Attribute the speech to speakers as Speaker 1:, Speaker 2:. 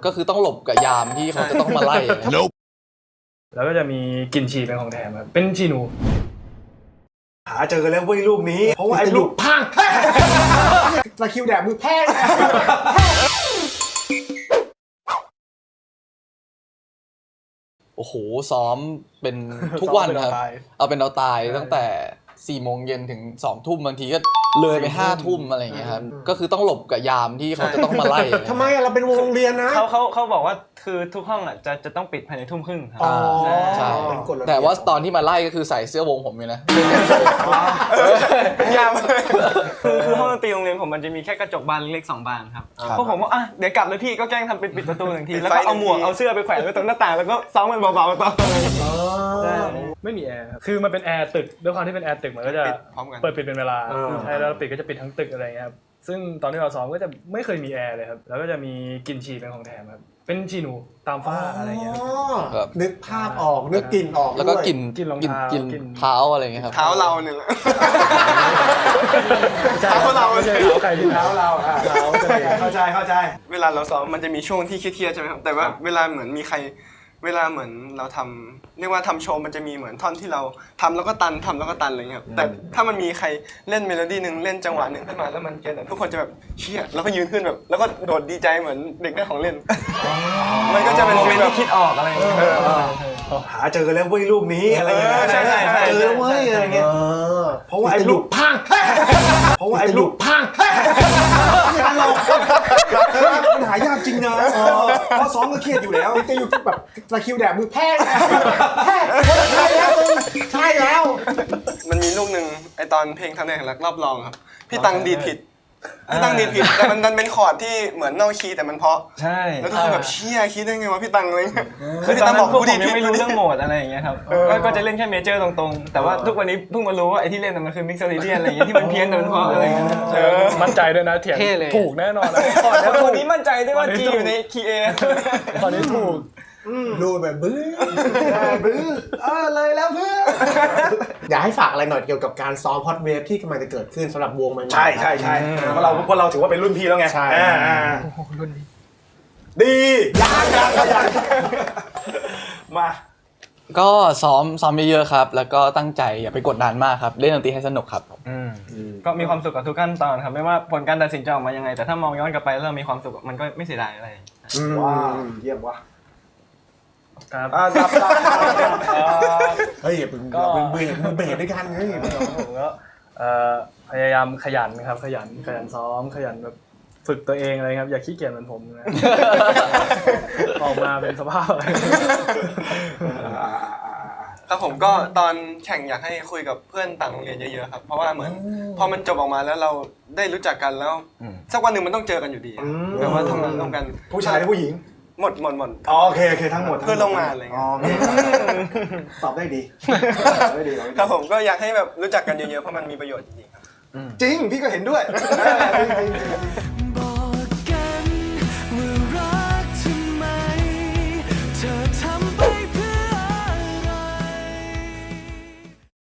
Speaker 1: ก็คือต้องหลบกับยามที่เขาจะต้องมาไล่
Speaker 2: แล้วก็จะมีกลิ่นฉี่เป็นของแถมครับเป็นฉี่หนู
Speaker 3: หาเจอแล้วเว้ยรูปนี้เพราะว่าไอ้ลูกพังตะคิวแดดมือแพ้
Speaker 1: โอ้โหซ้อมเป็นทุกวันครับเอาเป็นเอาตายตั้งแต่4 โมงเย็นถึง2 ทุ่มบางทีก็เลยไป5 ทุ่มอะไรอย่างเงี้ยครับก็คือต้องหลบกับยามที่เขาจะต้องมาไล่
Speaker 3: ทำไมเราเป็นวงโรงเรียนนะ
Speaker 4: เขาบอกว่าคือทุกห้องอ่ะจะต้องปิดภายใน 19:30ครับ
Speaker 1: ใช่แต่ว่าตอนที่มาไล่ก็คือใส่เสื้อวงผมเลยนะ
Speaker 4: ยามคือห้องดนตรีโรงเรียนผมมันจะมีแค่กระจกบานเล็กๆ2 บานครับพวกผมว่าเดี๋ยวกลับเลยพี่ก็แกล้งทำปิดประตู1 ทีแล้วก็เอาหมวกเอาเสื้อไปแขวนไว้ตรงหน้าต่างแล้วก็ซ้อมมันเบาๆต่อ
Speaker 2: ไม่มีแอร์ครับคือมันเป็นแอร์ตึกด้วยความที่เป็นแอร์ตึกมันก็จะเปิดปิดเป็นเวลาใช่แล้วปิดก็จะปิดทั้งตึกอะไรเงี้ยครับซึ่งตอนที่เราซ้อมก็จะไม่เคยมีแอร์เลยครับแล้วก็จะมีกลิ่นฉี่เป็นของแถมครับเป็นฉี่หนูตามฝ้าอะไรเงี้ย
Speaker 3: นึกภาพออกนึกกลิ่นออก
Speaker 1: แล้วก็กลิ่น
Speaker 2: รองเท้า
Speaker 1: กินเท้าอะไรเงี้ยครับ
Speaker 4: เท้าเราเนี่ย
Speaker 2: เท้าเราไม่ใช่เท้าใครที่เท้าเรา
Speaker 3: เข้าใจ
Speaker 4: เวลาเราซ้อมมันจะมีช่วงที่เครียดๆใช่ไหมครับแต่ว่าเวลาเหมือนมีใครเวลาเหมือนเราทำเรียกว่าทำโชว์มันจะมีเหมือนท่อนที่เราทำแล้วก็ตันทำแล้วก็ตันอะไรเงี้ยแต่ถ้ามันมีใครเล่นเมโลดี้นึงเล่นจังหวะนึงขึ้นมาแล้วมันเก็ตทุกคนจะแบบเชี่ยแล้วก็ยืนขึ้นแบบแล้วก็โดดดีใจเหมือนเด็กได้ของเล่นมันก็จะเป็นโมเมนต์ที่คิดออกอะไร
Speaker 3: หาเจอแล้วเว้ยรูปนี้อะไรเงี้ย
Speaker 4: ใช่
Speaker 3: เจอเว้ยอะไรเงี้ยเพราะว่าไอ้ลูกพังเพราะว่าไอ้ลูกพังมันหายากจริงนะเพราะซ้อมก็เครียดอยู่แล้วจะอยู่แบบตะคิวแดดมือแพ้ใช่แล้ว
Speaker 4: มันมีลูกหนึ่งไอตอนเพลงทำในแข่งรักรอบรองครับพี่ตังดีดผิดแต่มันเป็นคอร์ดที่เหมือนนอกคีย์แต่มันเพาะ
Speaker 2: ใช่
Speaker 4: แล้วทุกคนแบบเชี่ยคิดได้ไงวะพี่ตังเลย
Speaker 2: คือพี่ตังบอกผมยังไม่รู้เรื่องโหมดอะไรอย่างเงี้ยครับก็จะเล่นแค่เมเจอร์ตรงๆแต่ว่าทุกวันนี้เพิ่งมารู้ว่าไอ้ที่เล่นมันคือมิกซ์เซอริเดียนอะไรอย่างเงี้ยที่มันเพี้ยนแต่มันเพาะอะไรอย่างเงี้ยมั่นใจด้วยนะเถียงถูกแน่นอนแล้วตัวนี้มั่นใจด้วยว่าจีอยู่ในคีย์เอตอนนี้ถูก
Speaker 3: รูดแบบบื้อเลยแล้วเพื่ออยากให้ฝากอะไรหน่อยเกี่ยวกับการซ้อมฮอตเวฟที่กำลังจะเกิดขึ้นสำหรับวงใหม่
Speaker 5: ใช่เพราะเราถือว่าเป็นรุ่นพี่แล้วไง
Speaker 3: ใช่
Speaker 5: รุ่นดียังมา
Speaker 1: ก็ซ้อมเยอะๆครับแล้วก็ตั้งใจอย่าไปกดดันมากครับเล่นดนตรีให้สนุกครับ
Speaker 4: ก็มีความสุขกับทุกขั้นตอนครับไม่ว่าผลการตัดสินจะออกมายังไงแต่ถ้ามองย้อนกลับไปแล้วเรามีความสุขมันก็ไม่เสียดายอะไร
Speaker 3: ว้าวเยี่ยมว่ะ
Speaker 2: ครับ
Speaker 3: เฮ้ยมึงเบรด้วยกันเฮ้ย
Speaker 2: ผมก็พยายามขยันครับขยันซ้อมขยันแบบฝึกตัวเองอะไรครับอย่าขี้เกียจเหมือนผมนะออกมาเป็นสภาพ
Speaker 4: ครับผมก็ตอนแข่งอยากให้คุยกับเพื่อนต่างโรงเรียนเยอะๆครับเพราะว่าเหมือนพอมันจบออกมาแล้วเราได้รู้จักกันแล้วสักวันหนึ่งมันต้องเจอกันอยู่ดีแต่ว่าทำงานร่วมกัน
Speaker 5: ผู้ชายหรือผู้หญิง
Speaker 4: หมด
Speaker 5: โอเคทั้งหมด
Speaker 4: เพื่อนร่วมงานอะไรเงี้ย
Speaker 3: ตอบได้ดี
Speaker 4: ครับผมก็อยากให้แบบรู้จักกันเยอะๆเพราะมันมีประโยชน์จริงๆครับ
Speaker 3: จริงพี่ก็เห็นด้วย